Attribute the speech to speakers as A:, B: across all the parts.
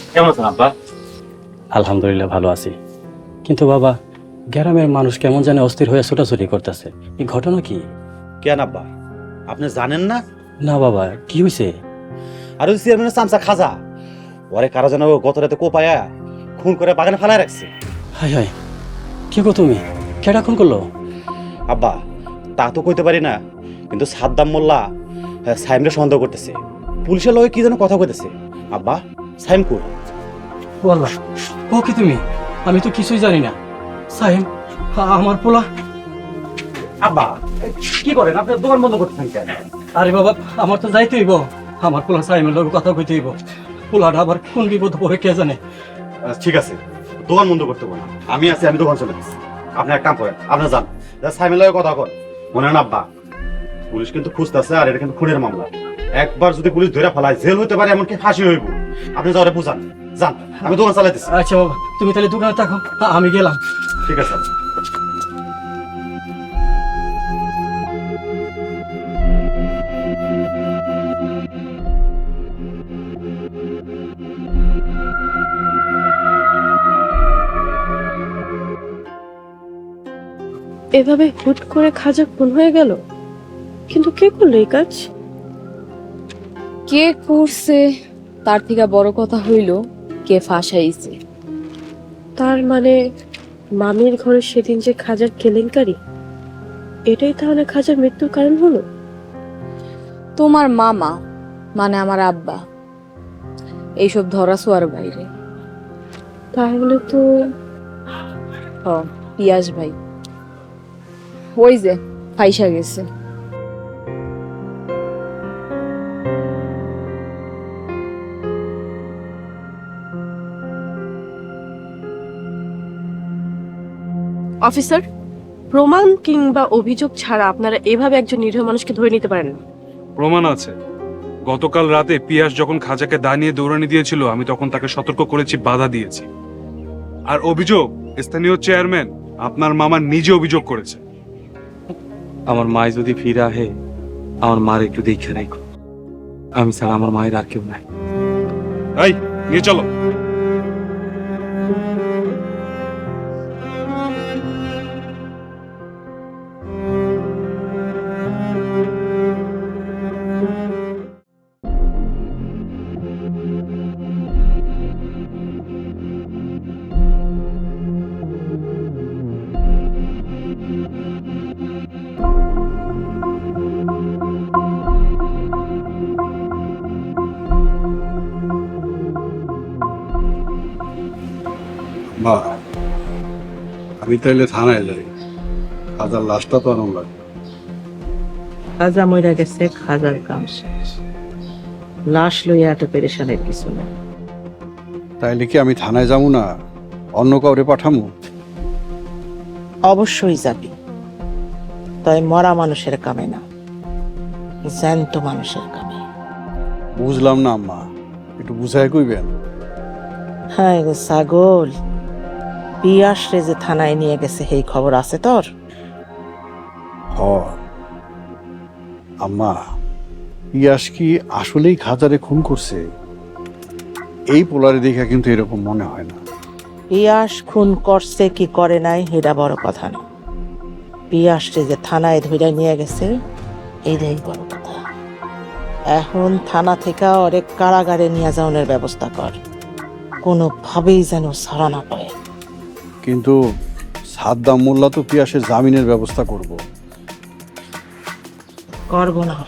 A: কেমন আছেন আব্বা?
B: আলহামদুলিল্লাহ ভালো আছি, কিন্তু বাবা গ্রামের মানুষ কেমন জানে অস্থির হয়ে ছোটাছুটি করতেছে। এই ঘটনা কি?
C: কেন আব্বা, আপনি জানেন না?
B: না বাবা, কি হয়েছে?
C: আর ওই চেয়ারম্যানের চামচা খাজা, ওরে কারো যেন গত রাতে কোপায়া খুন করে বাগানে ফেলায় রাখছে।
B: হাই হাই, কি গো তুমি? কেডা খুন করলো?
C: আব্বা তা তো কইতে পারি না, কিন্তু সাদ্দাম মোল্লা সাইমরে সন্দেহ করতেছে। পুলিশের লগে কি যেন কথা কইতেছে। আব্বা সাইম কই?
B: বললা ও কি তুমি? আমি তো কিছুই জানি না। সাইম আমার পোলা।
C: আব্বা কি করেন আপনি? দোকান বন্ধ করতেছেন কেন?
B: আরে বাবা, আমার তো যাইতে হইব। আমার পোলা সাইমের লগে কথা কইতে হইব। পোলাটা আবার কোন বিপদ পড়ে কে জানে।
C: ঠিক আছে, দোকান বন্ধ করতে বলেন, আমি আছি, আমি দোকান চলে যাচ্ছি। আপনি এক কাম করেন, আপনি যান, সাইমের লগে কথা কন। মনে না আব্বা, পুলিশ কিন্তু খুঁজতেছে, আর এটা কিন্তু খুনের মামলা। একবার যদি পুলিশ ধরে ফেলায় জেল হইতে পারে, এমনকি ফাঁসি হইব। আপনি যাওয়ারে বুঝান, যান, আমি দোকান চালাইতেছি।
B: আচ্ছা বাবা, তুমি তাহলে দোকানে থাকো, আমি গেলাম।
C: ঠিক আছে।
D: এভাবে হুট করে খাজা খুন হয়ে গেল, কিন্তু কে করলো এই কাজ?
E: কে করছে তার থেকে বড় কথা হইল কে ফাঁসাইছে।
D: তার মানে মামির ঘরে সেদিন যে খাজার কেলেঙ্কারি, এটাই তাহলে খাজার মৃত্যুর কারণ হলো?
E: তোমার মামা মানে আমার আব্বা এইসব ধরা ছোঁয়ার বাইরে।
D: তাহলে তো
E: পিয়াস ভাই ওই যে ফাইসা গেছে।
D: অফিসার, প্রমাণ কিংবা অভিযোগ ছাড়া আপনারা এভাবে একজন নিরীহ মানুষকে ধরে নিতে পারেন না।
F: প্রমাণ আছে। গতকাল রাতে পিয়াস যখন খাজাকে দা নিয়ে দৌড়ানি দিয়েছিল, আমি তখন তাকে সতর্ক করেছি, বাধা দিয়েছি। আর অভিযোগ, স্থানীয় চেয়ারম্যান আপনার মামা নিজে অভিযোগ করেছে।
G: আমার মায় যদি ফিরে আহে, আমার মার একটু দেখে রাখো। আমি ছাড়া আমার মায়ের আর কেউ নাই।
F: এই নিয়ে চলো।
H: মা, আমি তাইলে থানায় যাই, খাজার লাশটা তো আনন্দ লাগবে।
I: খাজা মইরা গেছে, খাজার কাম শেষ। লাশ লইয়া এত পেরেশানের কিছু না।
H: তাইলে কি আমি থানায় যাবো না, অন্য কাউরে পাঠামু?
I: অবশ্যই যাবি, তাই মরা মানুষের কামে না, জ্যান্ত মানুষের কামে।
H: বুঝলাম না আম্মা, একটু বুঝাই কইবেন।
I: হ্যাঁ গো ছাগল, পিয়াস রে যে থানায় নিয়ে গেছে এই খবর আছে তোর?
H: হ আম্মা, ইয়াস কি আসলেই খাজারে খুন করছে? এই পোলারে দেখা কিন্তু এরকম মনে হয় না।
I: পিয়াস খুন করছে কি করে নাই এটা বড় কথা না, পিয়াস রে যে থানায় ধরে নিয়ে গেছে এইটাই বড় কথা। এখন থানা থেকে অনেক কারাগারে নিয়ে যাওয়ার ব্যবস্থা কর, কোনোভাবেই যেন ছাড়া না পায়।
H: কিন্তু সাদ্দাম মোল্লা তো পিয়াসের জামিনের ব্যবস্থা করব।
I: করবো না,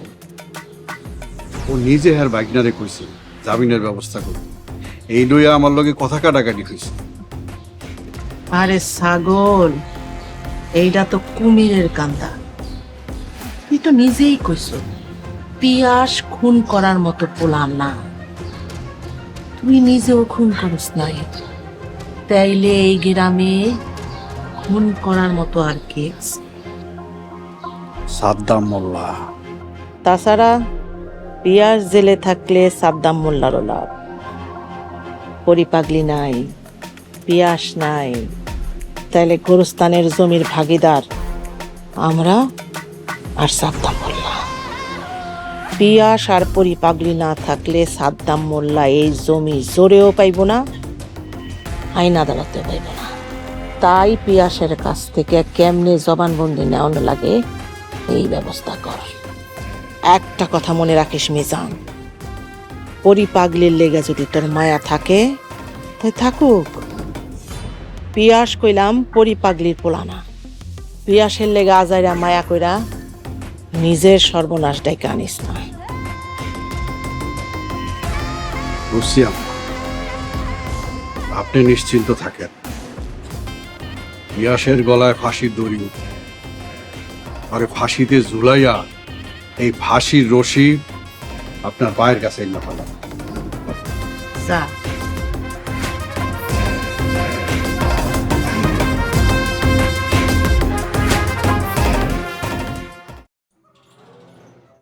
H: ও নিজে আর বাইকনারে কইছে জামিনের ব্যবস্থা করব। এই লইয়া আমার লগে কথা কাটাকাটি হয়েছে।
I: আরে ছাগল, এইটা তো কুমিরের কান্দা। তুই তো নিজেই কইস পিয়াস খুন করার মতো পোলা না, তুই নিজেও খুন করিস নাই, তাইলে এই গ্রামে খুন করার মতো আর কে আছে?
H: সাদ্দাম মোল্লা।
I: তাছাড়া পিয়াস জেলে থাকলে সাদ্দাম মোল্লারও লাভ। পরিপাগলি নাই, পিয়াস নাই, তাইলে গোরস্তানের জমির ভাগিদার আমরা আর সাদ্দাম মোল্লা। পিয়াস আর পরি পাগলি না থাকলে সাদ্দাম মোল্লা এই জমি জোরেও পাইব না, আইন আদালতেও পাইব না। তাই পিয়াসের কাছ থেকে কেমনে জবানবন্দি নেওয়ানো লাগে এই ব্যবস্থা কর। একটা কথা মনে রাখিস মিজান, পরি পাগলির লেগে যদি তোর মায়া থাকে তাই থাকুক। পিয়াস কইলাম পরি পাগলির পোলানা, পিয়াসের লেগে আজাইরা মায়া কইরা নিজের সর্বনাশ ডাইকা আনিস না।
H: বুঝছি আম্মা। আপনি নিশ্চিন্ত থাকেন, ইয়াসের গলায় ফাঁসির দড়ি উঠবে, আর ফাঁসিতে ঝুলাইয়া এই ফাঁসির রশি আপনার পায়ের কাছে এনে ফেলা।
I: যা